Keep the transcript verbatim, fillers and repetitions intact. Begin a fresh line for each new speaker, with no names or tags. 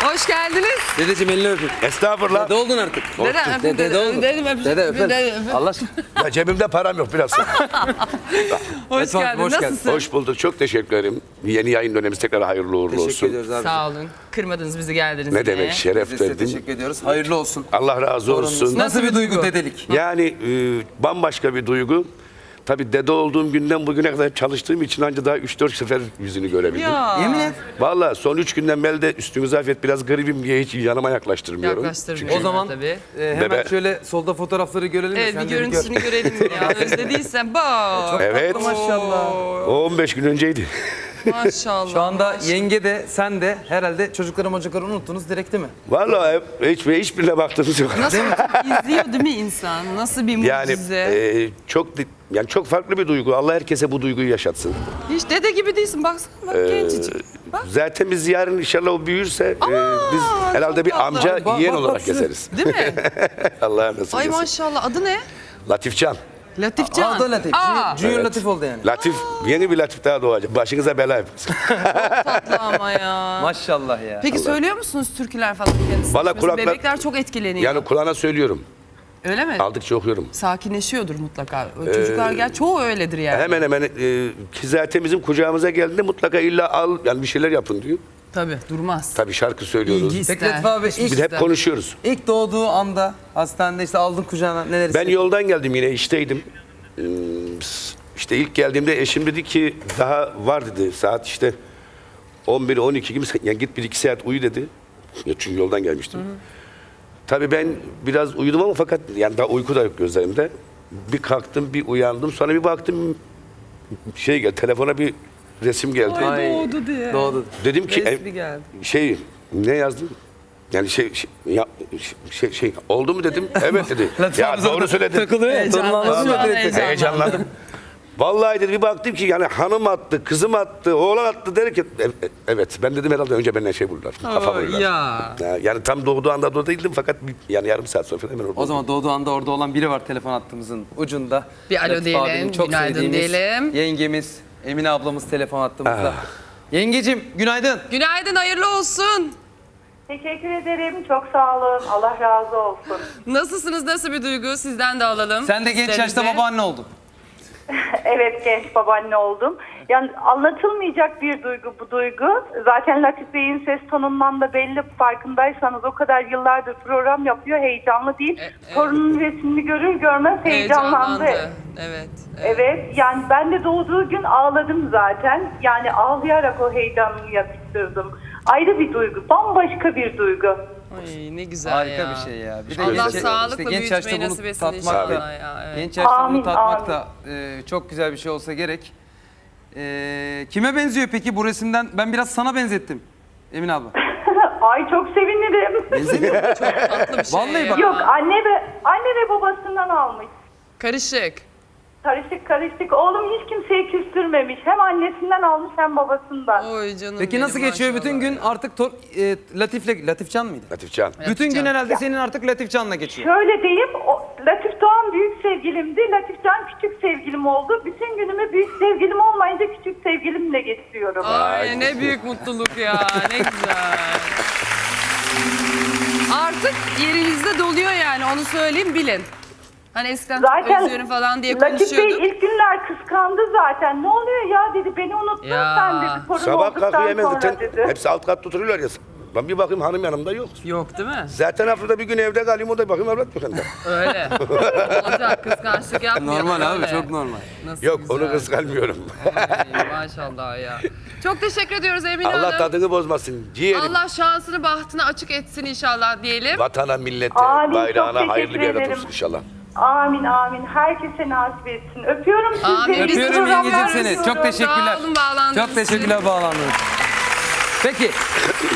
Hoş geldiniz.
Dedeciğim elini öpün.
Estağfurullah.
Dede oldun artık.
Dede öpün.
Dede, dede oldun.
Dede öpün.
Dede öpün.
Dede öpün.
Allah aşkına.
Ya cebimde param yok biraz.
Hoş
Esma,
geldin.
hoş geldin.
Nasılsın?
Hoş bulduk. Çok teşekkür ederim. Yeni yayın dönemi tekrar hayırlı uğurlu
Teşekkür
olsun.
ediyoruz abi.
Sağ olun. Kırmadınız bizi, geldiniz.
Ne
yine.
demek, şeref
Biz de size
verdin.
teşekkür ediyoruz. Hayırlı olsun.
Allah razı olsun.
Nasıl,
Nasıl
bir
bir
duygu
duygu?
dedelik?
Yani e, bambaşka bir duygu. Tabii dede olduğum günden bugüne kadar çalıştığım için ancak daha üç dört sefer yüzünü görebildim.
Ya.
Yemin et.
Vallahi son üç günden beri de üstünüze afiyet biraz garibim diye hiç yanıma yaklaştırmıyorum.
Yaklaştırmıyorum.
O zaman
tabii.
e, hemen
Bebe.
şöyle solda fotoğrafları görelim. de
Evet,
sen
bir
de gör.
görüntüsünü görelim ya. Özlediysen bak.
Evet.
Maşallah.
O on beş gün önceydi.
Maşallah.
Şu anda
maşallah.
yenge de sen de herhalde çocukları mocukları unuttunuz direkt değil mi?
Vallahi hep- hiç, hiçbirine baktığınız yok.
Nasıl izliyor değil mi insan? Nasıl bir
Yani
mucize?
e, çok di- yani çok farklı bir duygu. Allah herkese bu duyguyu yaşatsın.
Hiç dede gibi değilsin. Baksana bak
Ee,
gencecik. Bak.
Zaten biz yarın inşallah o büyürse e, biz herhalde
çok
bir
tatlı.
amca
Bak,
yeğen
bak,
olarak
bak şuraya.
gezeriz.
Değil mi?
Allah'a nasip
Ay
etsin.
maşallah. Adı ne?
Latifcan.
Latifcan.
Aldo Latif.
Aa,
Junior, Junior
Evet.
Latif oldu yani.
Latif, yeni bir Latif daha doğacak. Başınıza bela yaparsın.
tatlı ama ya.
Maşallah ya.
Peki söylüyor musunuz türküler falan kendisi?
Vallahi
Mesela
kulaklar-
Bebekler çok etkileniyor.
Yani kulağına söylüyorum.
Öyle mi?
Aldıkça okuyorum.
Sakinleşiyordur mutlaka. O Çocuklar gel çoğu öyledir yani.
Hemen hemen e, ki zaten bizim kucağımıza geldiğinde mutlaka illa al yani bir şeyler yapın diyor.
Tabii durmaz.
Tabii şarkı söylüyoruz.
İlgi ister.
Peki Latif abi
Hiçbir
ilk,
Biz hep
ister.
konuşuyoruz.
ilk doğduğu anda hastanede işte aldın kucağına neler
Ben
hissettin?
yoldan geldim yine işteydim. Ee, İşte ilk geldiğimde eşim dedi ki daha var dedi saat işte on bir on iki gibi yani git bir iki saat uyu dedi. Ya çünkü yoldan gelmiştim. Tabii ben biraz uyudum ama fakat yani daha uyku da yok gözlerimde. Bir kalktım bir uyandım sonra bir baktım şey geldi telefona bir resim geldi.
Ay,
doğdu diye.
Doğdu.
Dedim ki
Resmi
e,
geldi.
şey ne yazdım? Yani şey şey, ya, şey şey oldu mu dedim. Evet dedi.
Latif
Ya
abi
doğru
zaten
söyledin.
Takılıyor ya.
Heyecanlandı.
Torunu anlatıyor
Vallahi
direkt.
heyecanlandı.
Heyecanlandım. Vallahi dedi bir baktım ki yani hanım attı, kızım attı, oğlan attı derken e- e- evet ben dedim herhalde önce benden şey buldular. Kafa buldular.
Ya.
Ya, Yani tam doğduğu anda da değildim fakat bir- yani yarım saat sonra falan hemen orada.
O zaman doğduğu anda orada olan biri var telefon hattımızın ucunda.
Bir alo
Latif
diyelim,
abinin çok
günaydın
sevdiğimiz
diyelim.
Yengemiz Emine ablamız telefon hattımızda.
Ah.
Yengecim günaydın.
Günaydın, hayırlı olsun.
Teşekkür ederim. Çok sağ olun. Allah razı olsun.
Nasılsınız, nasıl bir duygu? Sizden de alalım.
Sen de genç yaşta
Hislerinizi.
babaanne oldun.
Evet, genç babaanne oldum. Yani anlatılmayacak bir duygu bu duygu. Zaten Latif Bey'in ses tonundan da belli, farkındaysanız o kadar yıllardır program yapıyor. Heyecanlı değil.
E, evet.
Torunun resmini görür görmez heyecanlandı.
Heyecanlandı. Evet. evet.
Evet, yani ben de doğduğu gün ağladım zaten. Yani ağlayarak o heyecanımı yatıştırdım. Ayrı bir duygu, bambaşka bir duygu.
Ay ne güzel
Harika
ya.
bir şey ya. Bir
Allah
işte
sağlıkla
genç yaşta
büyütmeyi
bunu
nasip etsin
tatmak
inşallah
da,
ya. Evet.
genç yaşta
Amin,
bunu tatmak
amin.
da e, çok güzel bir şey olsa gerek. E, kime benziyor peki bu resimden? Ben biraz sana benzettim Emine abla.
Ay çok sevinirim.
Tatlı bir şey
Vallahi
ya.
bak-
Yok, anne ve anne ve babasından almış.
Karışık.
Karışık karışık. Oğlum hiç kimseyi küstürmemiş. Hem annesinden almış hem babasından.
Oy canım
Peki
benim,
nasıl geçiyor bütün
maşallah
gün?
ya.
Artık tor, e, Latif'le, Latifcan mıydı?
Latifcan.
Bütün gün
Latifcan.
herhalde senin artık Latifcan'la geçiyor.
Şöyle diyeyim, o, Latif Doğan büyük sevgilimdi. Latifcan küçük sevgilim oldu. Bütün günümü büyük sevgilim olmayınca küçük sevgilimle geçiriyorum.
Ay ne büyük mutluluk ya. Ne güzel. Artık yerinizde doluyor yani, onu söyleyeyim bilin. Hani eskiden çok
Zaten
özlüyorum falan diye
Latif Bey
konuşuyorduk.
ilk günler kıskandı zaten. Ne oluyor ya dedi, beni unuttun
Ya.
sen dedi. Torun
Sabah kalkıyor
olduktan
hemen
sonra
zaten
dedi.
hepsi alt katta oturuyorlar ya. Ben bir bakayım hanım yanımda yok.
Yok değil mi?
Zaten haftada bir gün evde kalayım o da bakayım evlat yok yanımda.
Öyle. Olacak, kıskançlık yapmayalım.
Normal abi,
öyle.
çok normal.
Nasıl
Yok
güzel.
onu kıskanmıyorum.
Ay, maşallah ya. Çok teşekkür ediyoruz Emine
Allah
Hanım.
tadını bozmasın. Ciğerim.
Allah şansını bahtını açık etsin inşallah diyelim.
Vatana, millete,
Amin,
bayrağına
çok
hayırlı bir
teşekkür
evlat
ederim.
olsun inşallah.
Amin amin. Herkese nasip etsin. Öpüyorum sizleri.
Amin.
İyi
Öpüyorum
programlar
yengecim seni.
diliyorum.
Çok teşekkürler.
Sağ olun, bağlandınız.
Çok teşekkürler bağlandınız. Peki